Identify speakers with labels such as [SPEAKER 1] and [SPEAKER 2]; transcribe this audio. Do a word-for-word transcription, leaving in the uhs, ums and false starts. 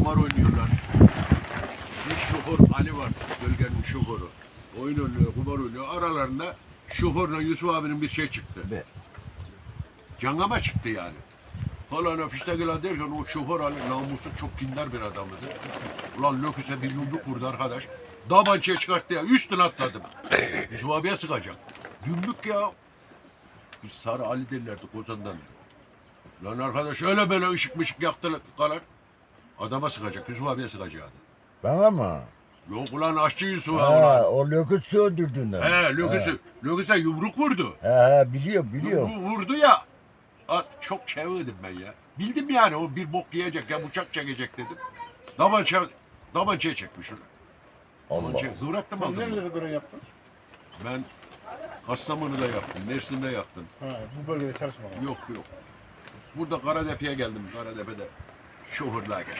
[SPEAKER 1] kumar oynuyorlar. Bir şoför Ali var, bölgenin şoförü. Oyun oynuyor, kumar oynuyor. Aralarında şoförle Yusuf abinin bir şey çıktı.
[SPEAKER 2] Be.
[SPEAKER 1] Cangama çıktı yani. Falan fiştekiler derken o şoför Ali namussuz çok kindar bir adamdı. Ulan Löküs'e bir yumruk vurdu arkadaş. Dabançaya çıkarttı ya, üstüne atladım. Yusuf abiye sıkacak. Yumruk ya. Biz Sarı Ali derlerdi Kozan'dan. Lan arkadaş öyle böyle ışık mışık yaktılar. Adama sıkacak, Yusuf abiye sıkacaktı.
[SPEAKER 2] Bana mı?
[SPEAKER 1] Yok ulan aşçı Yusuf abi
[SPEAKER 2] Ha,
[SPEAKER 1] ulan.
[SPEAKER 2] o löküt öldürdüğünden.
[SPEAKER 1] He Löküs'ü, Löküs'e yumruk vurdu.
[SPEAKER 2] He he biliyorum biliyorum.
[SPEAKER 1] Yumruğu vurdu ya. At, çok çevirdim ben ya. Bildim yani o bir bok yiyecek ya bıçak çekecek dedim. Damança, damançaya çekmiş onu.
[SPEAKER 2] Allah.
[SPEAKER 1] Damançaya kıvrattım
[SPEAKER 3] Sen
[SPEAKER 1] aldım.
[SPEAKER 3] nerelere göre yaptın?
[SPEAKER 1] Ben Kastamonu'da yaptım, Mersin'de yaptım.
[SPEAKER 3] Ha, bu bölgede çalışmadın.
[SPEAKER 1] Yok yok. Burada Karadepe'ye geldim. Karadepe'de şoförlüğe geçtim.